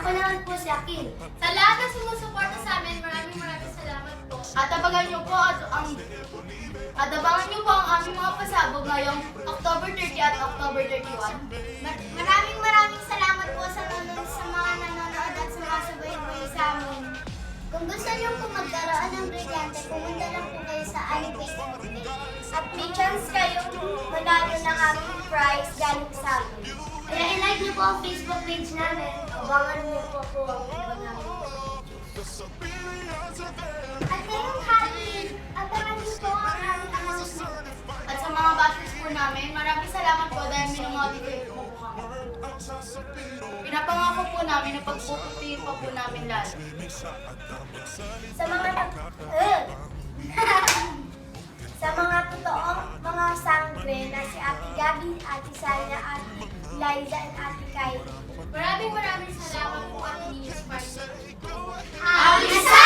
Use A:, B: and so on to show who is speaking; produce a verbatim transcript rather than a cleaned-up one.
A: Ako naman po si Akil.
B: Sa lahat ng sumusuporta sa amin, maraming maraming salamat po.
C: At abangan niyo po at ang at abangan niyo po ang aming mga pasabog ngayong October thirty at October thirty-one.
A: Mar- maraming maraming salamat po sa, nanonood, sa mga nanonood at sa mga subaybay sa amin. Kung gusto niyo po magkaroon ng brilyante, pumunta lang po kayo sa aming Facebook page. At may chance kayong manalo ng aming prize galing sa amin. Kaya i-like niyo po ang Facebook page namin. Abangan niyo po po ang iba namin. At ngayong Halloween, abangan niyo po ang aming announcement.
C: At sa mga bashers po namin, maraming salamat po dahil minumotivate mo po kami. Pinapangako po namin na pagpuputihin pa po namin lalo.
A: Sa mga uh, sa mga totoong mga sangre na si Ate Gabi, Ate Sanya, Ate Liza, at Ate Kylie.
B: Maraming maraming salamat po at News Party.
A: Happy